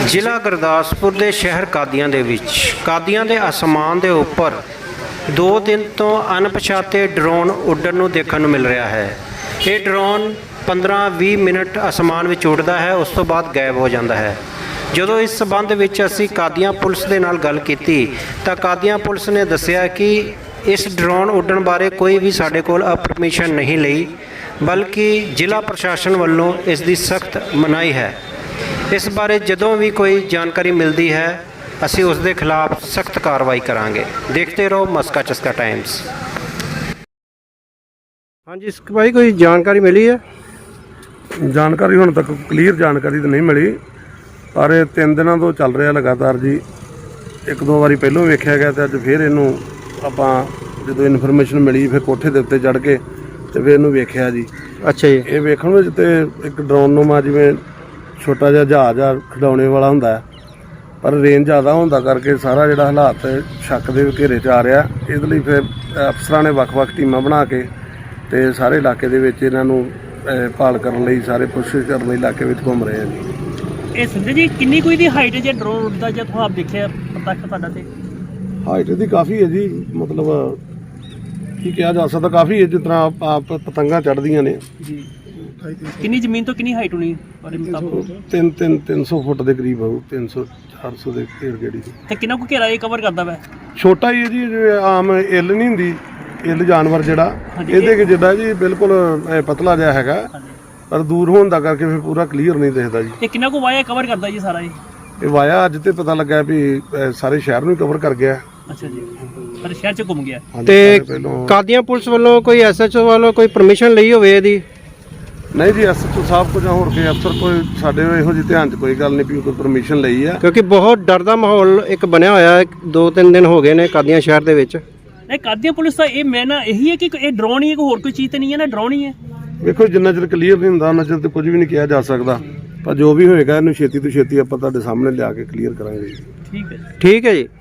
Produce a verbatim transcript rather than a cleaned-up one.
ਜ਼ਿਲ੍ਹਾ ਗੁਰਦਾਸਪੁਰ ਦੇ ਸ਼ਹਿਰ ਕਾਦੀਆਂ ਦੇ ਵਿੱਚ ਕਾਦੀਆਂ ਦੇ ਅਸਮਾਨ ਦੇ ਉੱਪਰ ਦੋ ਦਿਨ ਤੋਂ ਅਣਪਛਾਤੇ ਡਰੋਨ ਉੱਡਣ ਨੂੰ ਦੇਖਣ ਨੂੰ ਮਿਲ ਰਿਹਾ ਹੈ। ਇਹ ਡਰੋਨ ਪੰਦਰਾਂ ਵੀਹ ਮਿੰਟ ਅਸਮਾਨ ਵਿੱਚ ਉੱਡਦਾ ਹੈ, ਉਸ ਤੋਂ ਬਾਅਦ ਗਾਇਬ ਹੋ ਜਾਂਦਾ ਹੈ। ਜਦੋਂ ਇਸ ਸਬੰਧ ਵਿੱਚ ਅਸੀਂ ਕਾਦੀਆਂ ਪੁਲਿਸ ਦੇ ਨਾਲ ਗੱਲ ਕੀਤੀ ਤਾਂ ਕਾਦੀਆਂ ਪੁਲਿਸ ਨੇ ਦੱਸਿਆ ਕਿ ਇਸ ਡਰੋਨ ਉੱਡਣ ਬਾਰੇ ਕੋਈ ਵੀ ਸਾਡੇ ਕੋਲ ਪਰਮਿਸ਼ਨ ਨਹੀਂ ਲਈ, ਬਲਕਿ ਜ਼ਿਲ੍ਹਾ ਪ੍ਰਸ਼ਾਸਨ ਵੱਲੋਂ ਇਸ ਦੀ ਸਖਤ ਮਨਾਹੀ ਹੈ। ਇਸ ਬਾਰੇ ਜਦੋਂ ਵੀ ਕੋਈ ਜਾਣਕਾਰੀ ਮਿਲਦੀ ਹੈ ਅਸੀਂ ਉਸ ਦੇ ਖਿਲਾਫ ਸਖਤ ਕਾਰਵਾਈ ਕਰਾਂਗੇ। ਦੇਖते रहो मस्का चस्का टाइम्स। हाँ जी भाई, कोई जानकारी मिली है? ਜਾਣਕਾਰੀ ਹੁਣ ਤੱਕ ਕਲੀਅਰ ਜਾਣਕਾਰੀ ਤਾਂ ਨਹੀਂ ਮਿਲੀ, ਪਰ ਇਹ ਤਿੰਨ ਦਿਨਾਂ ਤੋਂ ਚੱਲ ਰਿਹਾ ਲਗਾਤਾਰ ਜੀ। ਇੱਕ ਦੋ ਵਾਰੀ ਪਹਿਲਾਂ ਵੇਖਿਆ ਗਿਆ ਤੇ ਅੱਜ ਫਿਰ ਇਹਨੂੰ ਆਪਾਂ ਜਦੋਂ ਇਨਫੋਰਮੇਸ਼ਨ ਮਿਲੀ ਫਿਰ ਕੋਠੇ ਦੇ ਉੱਤੇ ਚੜ੍ਹ ਕੇ ਤੇ ਫਿਰ ਇਹਨੂੰ ਵੇਖਿਆ ਜੀ। ਅੱਛਾ ਜੀ। ਇਹ ਵੇਖਣ ਵਿੱਚ ਤੇ ਇੱਕ ਡਰੋਨ ਨੂੰਮਾ ਜਿਵੇਂ ਛੋਟਾ ਜਿਹਾ ਜਹਾਜ਼ ਆ ਖਿਡੌਣੇ ਵਾਲਾ ਹੁੰਦਾ ਹੈ, ਪਰ ਰੇਂਜ ਜ਼ਿਆਦਾ ਹੁੰਦਾ ਕਰਕੇ ਸਾਰਾ ਜਿਹੜਾ ਹਾਲਾਤ ਸ਼ੱਕ ਦੇ ਘੇਰੇ 'ਚ ਆ ਰਿਹਾ। ਇਹਦੇ ਲਈ ਫਿਰ ਅਫਸਰਾਂ ਨੇ ਵੱਖ-ਵੱਖ ਟੀਮਾਂ ਬਣਾ ਕੇ ਤੇ ਸਾਰੇ ਇਲਾਕੇ ਦੇ ਵਿੱਚ ਇਹਨਾਂ ਨੂੰ ਭਾਲ ਕਰਨ ਲਈ ਸਾਰੇ ਕੋਸ਼ਿਸ਼ ਕਰਨ ਲਈ ਇਲਾਕੇ ਵਿੱਚ ਘੁੰਮ ਰਹੇ ਆ ਜੀ। ਇਹ ਸੰਜੇ ਜੀ ਕਿੰਨੀ ਕੋਈ ਦੀ ਹਾਈਟ ਜੇ ਡਰੋਨ ਉੱਡਦਾ ਜੇ ਤੁਹਾਨੂੰ ਆਪ ਦੇਖਿਆ ਪ੍ਰਤੱਖ ਤੁਹਾਡਾ ਤੇ? ਹਾਈਟ ਦੀ ਕਾਫੀ ਹੈ ਜੀ, ਮਤਲਬ ਕੀ ਕਿਹਾ ਜਾ ਸਕਦਾ, ਕਾਫੀ ਹੈ। ਜਿਸ ਤਰ੍ਹਾਂ ਆਪ ਪਤੰਗਾਂ ਚੜ੍ਹਦੀਆਂ ਨੇ ਜੀ। ਕਿੰਨੀ ਜ਼ਮੀਨ ਤੋਂ ਕਿੰਨੀ ਹਾਈਟ ਹੋਣੀ ਤੁਹਾਡੇ ਮੁਤਾਬਕ? ਤਿੰਨ ਤਿੰਨ ਤਿੰਨ ਸੌ ਫੁੱਟ ਦੇ ਕਰੀਬ ਹੋਊ, ਤਿੰਨ ਸੌ ਚਾਰ ਸੌ ਦੇ ਘੇਰ ਗੇੜੀ ਦੀ। ਤੇ ਕਿੰਨਾ ਕੁ ਘੇਰਾ ਇਹ ਕਵਰ ਕਰਦਾ ਵਾ? ਛੋਟਾ ਹੀ ਹੈ ਜੀ, ਜਿਵੇਂ ਆਮ ਇੱਲ ਨਹੀਂ ਹੁੰਦੀ, ਇੱਲ ਜਾਨਵਰ ਜਿਹੜਾ ਹਾਂਜੀ, ਇਹਦੇ ਕਿ ਜਿੱਦਾਂ ਜੀ ਬਿਲਕੁਲ ਇਹ ਪਤਲਾ ਜਿਹਾ ਹੈਗਾ, ਹਾਂਜੀ। ਪਰ ਦੂਰ ਹੋਣ ਦਾ ਕਰਕੇ ਫਿਰ ਪੂਰਾ ਕਲੀਅਰ ਨਹੀਂ ਦਿਖਦਾ ਜੀ। ਤੇ ਕਿੰਨਾ ਕੁ ਵਾਇਆ ਕਵਰ ਕਰਦਾ ਜੀ ਸਾਰਾ ਇਹ? ਇਹ ਵਾਇਆ ਅੱਜ ਤੇ ਪਤਾ ਲੱਗਾ ਵੀ ਇਹ ਸਾਰੇ ਸ਼ਹਿਰ ਨੂੰ ਕਵਰ ਕਰ ਗਿਆ। ਅੱਛਾ ਜੀ, ਪਰ ਸ਼ਹਿਰ ਚ ਘੁੰਮ ਗਿਆ। ਹਾਂਜੀ, ਤੇ ਸਾਰੇ ਪਹਿਲੋਂ ਕਾਦੀਆਂ ਪੁਲਿਸ ਵੱਲੋਂ ਕੋਈ ਐਸਐਚਓ ਵੱਲੋਂ ਕੋਈ ਪਰਮਿਸ਼ਨ ਲਈ ਹੋਵੇ ਇਹਦੀ? ਨਹੀਂ ਜੀ, ਐਸਐਚਓ ਸਾਹਿਬ ਕੋਲ ਜਾਂ ਹੋਰ ਕੋਈ ਅਫਸਰ ਕੋਈ ਸਾਡੇ ਇਹੋ ਜਿਹੀ ਧਿਆਨ 'ਚ ਕੋਈ ਗੱਲ ਨਹੀਂ ਵੀ ਕੋਈ ਪਰਮਿਸ਼ਨ ਲਈ ਆ। ਕਿਉਂਕਿ ਬਹੁਤ ਡਰ ਦਾ ਮਾਹੌਲ ਇੱਕ ਬਣਿਆ ਹੋਇਆ ਹੈ, ਦੋ ਤਿੰਨ ਦਿਨ ਹੋ ਗਏ ਨੇ ਕਾਦੀਆਂ ਸ਼ਹਿਰ ਦੇ ਵਿੱਚ। ਇਹ ਕਾਦੀਆਂ ਪੁਲਿਸ ਦਾ ਇਹ ਮੈਂ ਨਾ ਇਹੀ ਹੈ ਕਿ ਇਹ ਡਰੋਨ ਹੀ ਹੈ, ਕੋਈ ਹੋਰ ਕੋਈ ਚੀਜ਼ ਤੇ ਨਹੀਂ ਹੈ ਨਾ, ਡਰੋਨ ਹੀ ਹੈ। ਵੇਖੋ ਜਿੰਨਾ ਚਿਰ ਕਲੀਅਰ ਨਹੀਂ ਹੁੰਦਾ ਉਹਨਾਂ ਚਿਰ ਤੇ ਕੁਝ ਵੀ ਨਹੀਂ ਕਿਹਾ ਜਾ ਸਕਦਾ, ਪਰ ਜੋ ਵੀ ਹੋਏਗਾ ਇਹਨੂੰ ਛੇਤੀ ਤੋਂ ਛੇਤੀ ਆਪਾਂ ਤੁਹਾਡੇ ਸਾਹਮਣੇ ਲਿਆ ਕੇ ਕਲੀਅਰ ਕਰਾਂਗੇ ਜੀ। ਠੀਕ ਹੈ। ਠੀਕ ਹੈ ਜੀ।